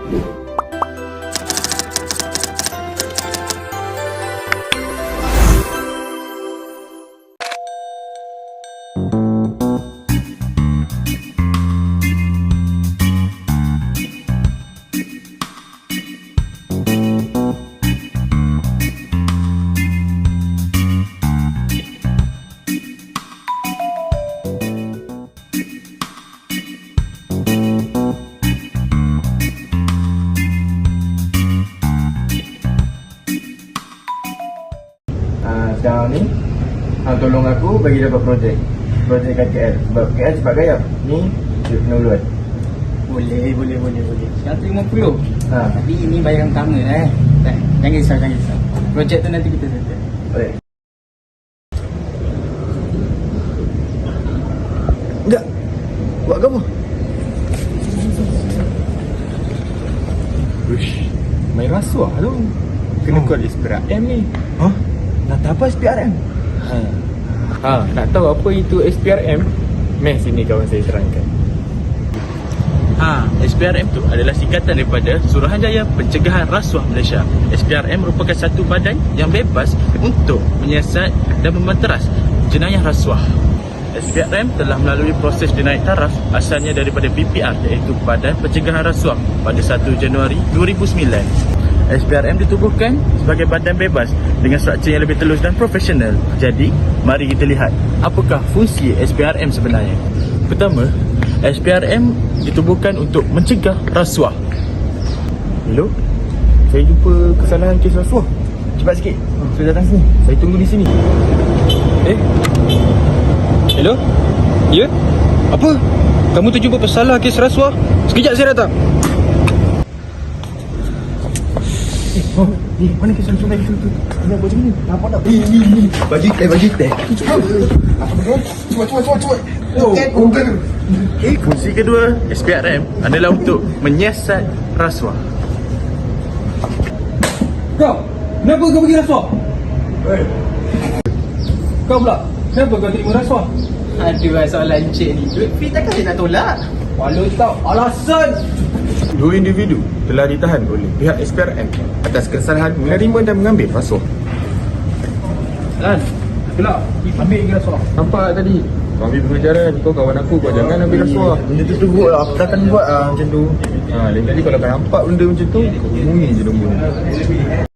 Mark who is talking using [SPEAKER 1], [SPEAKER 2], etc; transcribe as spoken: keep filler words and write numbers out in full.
[SPEAKER 1] Sekarang ni hang tolong aku bagi dapat projek projek kat K L, sebab K L cepat gaya ni dia kena urut.
[SPEAKER 2] Boleh, boleh, boleh, boleh. seratus lima puluh.
[SPEAKER 1] Ha.
[SPEAKER 2] Tapi ini bayaran utama eh. Tak, jangan risau, jangan risau. Projek tu nanti kita settle.
[SPEAKER 1] Boleh. Enggak. Buat apa?
[SPEAKER 3] Uish, main rasuah tu. Kena call S P R M ni.
[SPEAKER 1] Ha? Nak tahu apa S P R M?
[SPEAKER 3] Ha. Ha, nak tahu apa itu S P R M? Meh sini kawan saya terangkan.
[SPEAKER 4] Ha, S P R M tu adalah singkatan daripada Suruhanjaya Pencegahan Rasuah Malaysia. S P R M merupakan satu badan yang bebas untuk menyiasat dan memanteras jenayah rasuah. S P R M telah melalui proses dinaik taraf asalnya daripada B P R, iaitu Badan Pencegahan Rasuah, pada satu Januari dua ribu sembilan. S P R M ditubuhkan sebagai badan bebas dengan struktur yang lebih telus dan profesional. Jadi, mari kita lihat apakah fungsi S P R M sebenarnya. Pertama, S P R M ditubuhkan untuk mencegah rasuah.
[SPEAKER 3] Hello? Saya jumpa kesalahan kes rasuah.
[SPEAKER 1] Cepat sikit. Saya datang sini.
[SPEAKER 3] Saya tunggu di sini. Eh? Hello? Ya? Apa? Kamu terjumpa pesalah kes rasuah? Sekejap saya datang.
[SPEAKER 1] Oh, ni mana kes rasuah tadi tu? Ni apa macam ni? Nampak tak? Ni, ni, ni. Bagi teh, bagi teh. Cepat. Apa betul? Cepat, cepat, cepat, cepat. Oh, okey.
[SPEAKER 4] Okay, fungsi kedua S P R M adalah untuk menyiasat rasuah.
[SPEAKER 2] Kau, kenapa kau bagi rasuah?
[SPEAKER 1] Hei.
[SPEAKER 2] Kau pula, kenapa kau terima rasuah?
[SPEAKER 5] Aduh, soalan cik ni. Duit free takkan dia nak tolak?
[SPEAKER 2] Walau tak alasan.
[SPEAKER 3] Dua individu telah ditahan oleh pihak S P R M atas kesalahan menerima dan mengambil rasuah.
[SPEAKER 2] Lan, gelap, ambil lagi rasuah.
[SPEAKER 3] Nampak tadi? Kau ambil pengajaran. Kau kawan aku, kau jangan ambil rasuah.
[SPEAKER 1] Benda tu teruk lah. Aku takkan buat lah macam tu.
[SPEAKER 3] Ha, lain kali kalau kau nampak benda macam tu, kau hubungi je nombor ni.